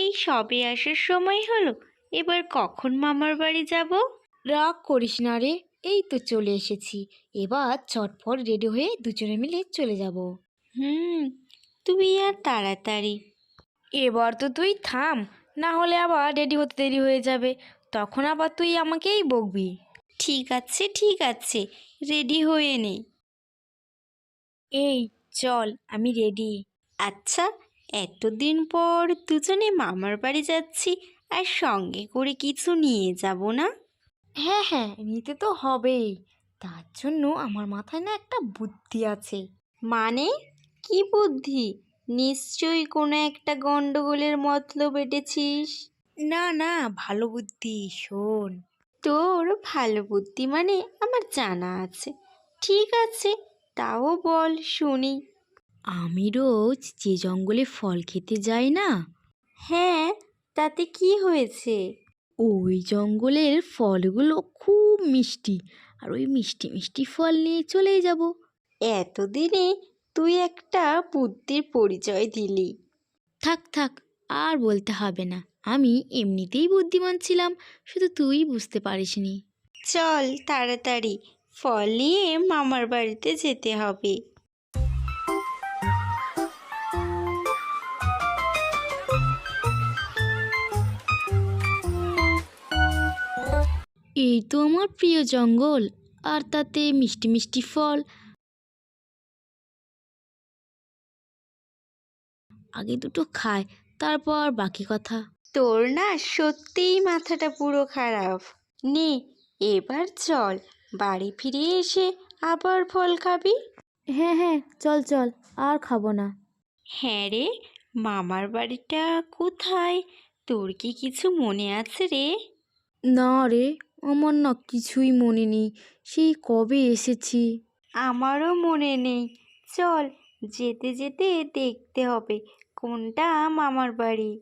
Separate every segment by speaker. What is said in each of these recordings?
Speaker 1: এই সবে আসার সময় হলো, এবার কখন মামার বাড়ি যাব?
Speaker 2: রাগ করিস না রে, এই তো চলে এসেছি। এবার চটপট রেডি হয়ে দুজনে মিলে চলে যাব।
Speaker 1: তুই আর তাড়াতাড়ি।
Speaker 2: এবার তো তুই থাম, না হলে আবার রেডি হতে দেরি হয়ে যাবে, তখন আবার তুই আমাকেই বকবি।
Speaker 1: ঠিক আছে ঠিক আছে, রেডি হয়ে নে।
Speaker 2: এই চল, আমি রেডি।
Speaker 1: আচ্ছা, এতদিন পর দুজনে মামার বাড়ি যাচ্ছি, আর সঙ্গে করে কিছু নিয়ে যাব না?
Speaker 2: হ্যাঁ হ্যাঁ, নিতে তো হবেই। তার জন্য আমার মাথায় না একটা বুদ্ধি আছে।
Speaker 1: মানে, কি বুদ্ধি? নিশ্চয়ই কোনো একটা গন্ডগোলের মতলব এঁটেছিস।
Speaker 2: না না, ভালো বুদ্ধি, শোন।
Speaker 1: তোর ভালো বুদ্ধি মানে আমার জানা আছে। ঠিক আছে, তাও বল শুনি।
Speaker 2: আমি রোজ যে জঙ্গলে ফল খেতে যাই না,
Speaker 1: হ্যাঁ, তাতে কি হয়েছে?
Speaker 2: ওই জঙ্গলের ফলগুলো খুব মিষ্টি, আর ওই মিষ্টি মিষ্টি ফল নিয়ে চলেই যাব।
Speaker 1: এতদিনে তুই একটা বুদ্ধির পরিচয় দিলি।
Speaker 2: থাক থাক, আর বলতে হবে না, আমি এমনিতেই বুদ্ধিমান ছিলাম, শুধু তুই বুঝতে পারিসনি।
Speaker 1: চল তাড়াতাড়ি, ফল নিয়ে মামার বাড়িতে যেতে হবে।
Speaker 2: এই তো আমার প্রিয় জঙ্গল, আর তাতে মিষ্টি মিষ্টি ফল। আগে দুটো খায়, তারপর বাকি কথা।
Speaker 1: তোর না সত্যিই মাথাটা পুরো খারাপ। নে, এবার চল, বাড়ি ফিরে এসে আবার ফল খাবি।
Speaker 2: হ্যাঁ হ্যাঁ, চল চল, আর খাবো না।
Speaker 1: হ্যাঁ রে, মামার বাড়িটা কোথায়? তোর কি কিছু মনে আছে রে?
Speaker 2: না রে, আমার না কিছুই মনে নেই, সেই কবে এসেছি।
Speaker 1: আমারও মনে নেই। চল, যেতে যেতে দেখতে হবে কোনটা মামার বাড়ি।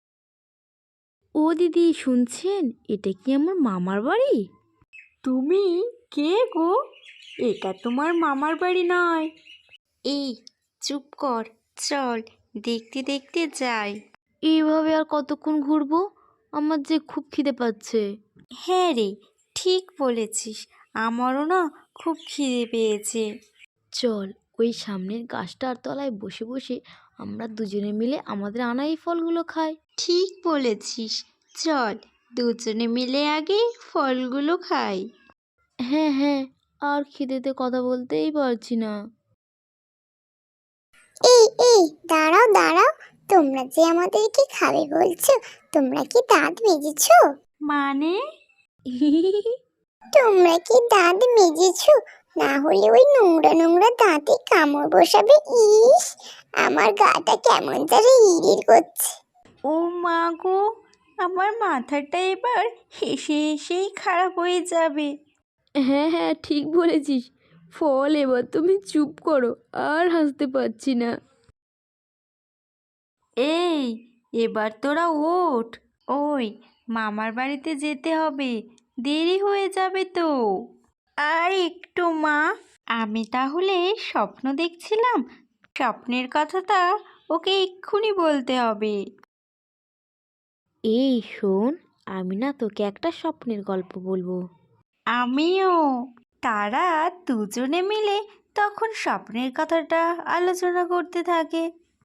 Speaker 2: ও দিদি, শুনছেন? এটা কি আমার মামার বাড়ি?
Speaker 1: তুমি কে গো? এটা তোমার মামার বাড়ি নয়। এই, চুপ কর, চল দেখতে দেখতে যাই।
Speaker 2: এইভাবে আর কতক্ষণ ঘুরবো? আমার যে খুব খিদে পাচ্ছে।
Speaker 1: হ্যাঁ রে, ঠিক বলেছিস, আমারও না খুব খিদে পেয়েছে।
Speaker 2: চল, ওই সামনের গাছটার তলায় বসে বসে আমরা দুজনে মিলে আমাদের আনা এই ফলগুলো খাই।
Speaker 1: ঠিক বলেছিস, চল দুজনে মিলে আগে ফলগুলো খাই।
Speaker 2: হ্যাঁ হ্যাঁ, আর খিদেতে কথা বলতেই পারছি না।
Speaker 3: এই এই দাঁড়াও দাঁড়াও, তোমরা যে আমাদেরকে খাবে বলছো, তোমরা কি দাঁত মেজেছো?
Speaker 1: মানে?
Speaker 3: তোমরা কি দাঁত মেজেছো? না হলে ওই নোংরা নোংরা দাঁতে কামড় বসাবে। ইস, আমার গাটা কেমন যেন ইরির করছে।
Speaker 1: ও মা গো, আমার মাথাটা এবার হেসে হেসেই খারাপ হয়ে যাবে।
Speaker 2: হ্যাঁ হ্যাঁ, ঠিক বলেছিস। ফল, এবার তুমি চুপ করো, আর হাসতে পারছি না।
Speaker 1: এই, এবার তোরা ওঠ। ওই, মামার বাড়িতে যেতে হবে, দেরি হয়ে যাবে তো। আর একটু মা, আমি তাহলে স্বপ্ন দেখছিলাম, স্বপ্নের কথাটা ওকে এক্ষুনি বলতে হবে।
Speaker 2: এই শোন, আমি না তোকে একটা স্বপ্নের গল্প বলবো।
Speaker 1: আমিও। তারা দুজনে মিলে তখন স্বপ্নের কথাটা আলোচনা করতে থাকে।